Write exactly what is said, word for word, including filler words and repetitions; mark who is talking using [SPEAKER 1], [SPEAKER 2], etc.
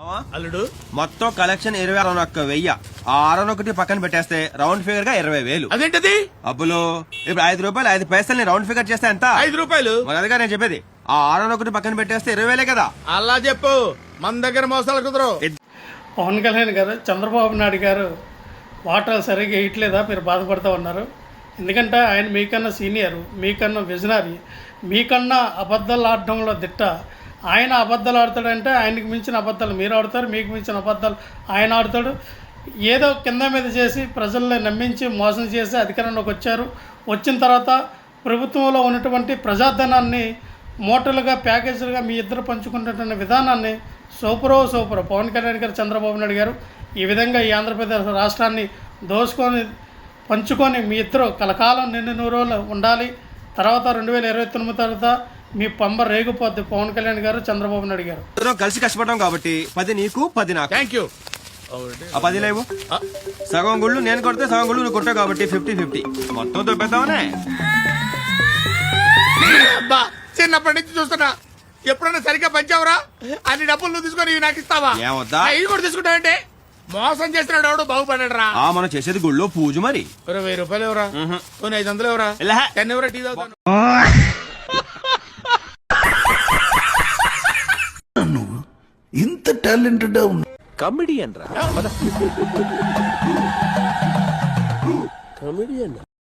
[SPEAKER 1] అల్లుడు
[SPEAKER 2] మొత్తం కలెక్షన్ ఇరవై ఆరు ఒక్క వెయ్యి ఆరు ఒకటి పక్కన పెట్టేస్తే రౌండ్ ఫిగర్ గా ఇరవై వేలు.
[SPEAKER 1] అదేంటది?
[SPEAKER 2] అబ్బులు ఇప్పుడు ఐదు రూపాయలు ఐదు పైసల్ని రౌండ్ ఫిగర్ చేస్తే ఎంత?
[SPEAKER 1] ఐదు రూపాయలు.
[SPEAKER 2] మరి అదిగా నేను చెప్పేది. ఆ ఆరు ఒకటి పక్కన పెట్టేస్తే ఇరవై వేలే కదా.
[SPEAKER 1] అలా చెప్పు, మన దగ్గర మోసాలు కుదరవు.
[SPEAKER 3] పవన్ కళ్యాణ్ గారు చంద్రబాబు నాయుడు గారు వాటర్ సరిగ్గా వేయట్లేదా మీరు బాధపడుతూ ఉన్నారు. ఎందుకంటే ఆయన మీకన్నా సీనియర్, మీకన్నా విజనరీ, మీకన్నా అబద్ధాలు ఆడడంలో దిట్ట. ఆయన అబద్ధాలు ఆడతాడంటే ఆయనకి మించిన అబద్ధాలు మీరు ఆడతారు, మీకు మించిన అబద్ధాలు ఆయన ఆడతాడు. ఏదో కింద మీద చేసి ప్రజల్ని నమ్మించి మోసం చేసి అధికారంలోకి వచ్చారు. వచ్చిన తర్వాత ప్రభుత్వంలో ఉన్నటువంటి ప్రజాధనాన్ని మూటలుగా ప్యాకేజీలుగా మీ ఇద్దరు పంచుకుంటున్న విధానాన్ని సూపరో సూపర్ పవన్ కళ్యాణ్ గారు, చంద్రబాబు నాయుడు గారు ఈ విధంగా ఈ ఆంధ్రప్రదేశ్ రాష్ట్రాన్ని దోసుకొని పంచుకొని మీ ఇద్దరు కలకాలం నిండు నూరు రోజులు ఉండాలి. తర్వాత రెండు వేల ఇరవై తొమ్మిది తర్వాత మీ పంబ రేగిపోద్ది పవన్ కళ్యాణ్ గారు, చంద్రబాబు నాయుడు గారు.
[SPEAKER 2] కలిసి కష్టపడడం కాబట్టి పది నీకు పది నాకు.
[SPEAKER 1] Thank you.
[SPEAKER 2] ఆ పది లేవు, సగం గుళ్ళు నేను కొడితే సగం గుళ్ళు నువ్వు కొట్టావు కాబట్టి ఫిఫ్టీ ఫిఫ్టీ మొత్తం దొబ్బేద్దామనే.
[SPEAKER 1] చిన్నప్పటి నుంచి చూస్తున్నా, ఎప్పుడైనా సరిగ్గా పంచావురా? అన్ని డబ్బులు నువ్వు తీసుకొని నాకు ఇస్తావా?
[SPEAKER 2] ఏమొద్దా?
[SPEAKER 1] ఇవి కూడా తీసుకుంటావంటే మోసం చేస్తున్నాడు ఎవడు బాగుపడ్డాడు రా.
[SPEAKER 2] ఆ మనం చేసేది గుళ్ళో పూజ. మరి
[SPEAKER 1] వెయ్యి రూపాయలు ఎవరా? కొన్ని ఐదు వందలు ఎవరా? టెన్ ఎవరా? టీ తాగుతాను.
[SPEAKER 4] నువ్వు ఇంత టాలెంటెడ్
[SPEAKER 5] కమిడియన్ రా. కమిడియన్